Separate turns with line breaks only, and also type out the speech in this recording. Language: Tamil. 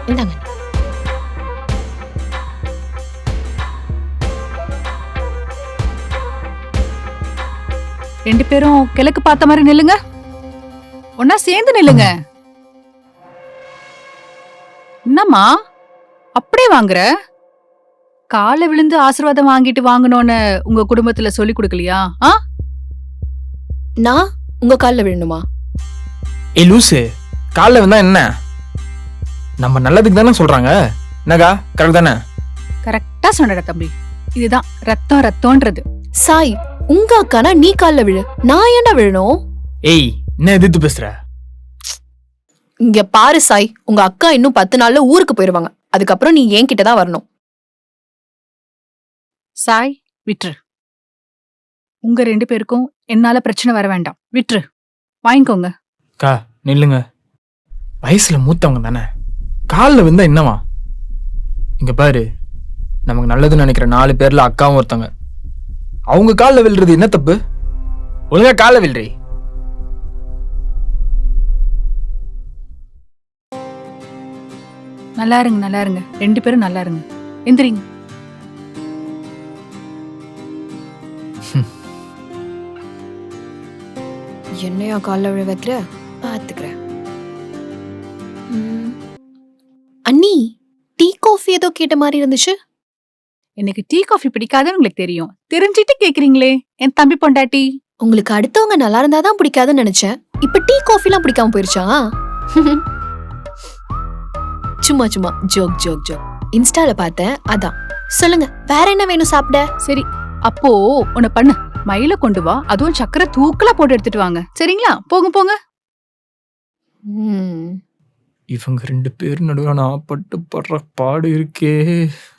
இந்தாங்க.
ரெண்டு பேரும் கிழக்கு பார்த்த மாதிரி நில்லுங்க. ஒன்னா சேர்ந்து நில்லுங்க. என்னம்மா அப்படியே வாங்குற? காலை விழுந்து ஆசீர்வாதம் வாங்கிட்டு வாங்கணும்னு உங்க குடும்பத்துல சொல்லி கொடுக்கலையா?
நான் உங்க கால்ல விழணுமா?
ஏய் லூசு, காலைல வந்தா என்ன? நம்ம நல்லதுக்கு தானே சொல்றாங்க. என்னக்கா கரெக்ட் தானே?
கரெக்டா சொன்னடா தம்பி. இதுதான் ரத்தம் ரத்தம்ன்றது.
சாய், உங்க அக்கானா நீ கால்ல விழு. நான் ஏன்டா விழணும்?
ஏய் என்ன எதிர்த்து பேசுற?
இங்க பாரு சாய், உங்க அக்கா இன்னும் 10 நாள்ல ஊருக்கு போயிருவாங்க. அதுக்கப்புறம் நீ என்கிட்ட தான் வரணும்.
சாய் விட்டுரு. உங்க ரெண்டு பேருக்கும் என்னால பிரச்சனை வர வேண்டாம். விட்டுரு, வாங்கிக்கோங்க.
அக்கா நில்லுங்க. வயசுல மூத்தவங்க தானே, காலில் விழுந்தா என்னவா? இங்க பாரு, நமக்கு நல்லதுன்னு நினைக்கிற 4 பேர்ல அக்காவும் ஒருத்தங்க. அவங்க காலில் விழுறது என்ன தப்பு? ஒழுங்கா காலில் விழுறி.
நல்லா இருங்க, நல்லா இருங்க. ரெண்டு பேரும் நல்லா இருங்க. எந்திரிங்க.
என்னையா கால்ல விழ வைக்கிற? பாத்துக்கிறேன். அண்ணி, டீ காஃபி ஏதோ கேட்ட மாதிரி இருந்துச்சு.
எனக்கு டீ காஃபி பிடிக்காதுன்னு உங்களுக்கு தெரியும். தெரிஞ்சிட்டு கேக்குறீங்களே என் தம்பி பொண்டாட்டி.
உங்களுக்கு அடுத்தவங்க நல்லா இருந்தாதான் பிடிக்காதுன்னு நினைச்சேன். இப்ப டீ காஃபி எல்லாம் பிடிக்காம போயிருச்சா? சும்மா சும்மா ஜோக் ஜோக் ஜோக். இன்ஸ்டால பார்த்தேன், அதான். சொல்லுங்க, வேற என்ன வேணும் சாப்பிட?
சரி, அப்போ உன்னை பண்ணு. மயில கொண்டு வா, அதுவும் சக்கரை தூக்கலா போட்டு எடுத்துட்டு வாங்க. சரிங்களா? போங்க போங்க.
இவங்க 2 பேர் நடுவில் நான் பட்டு படுற பாடு இருக்கே.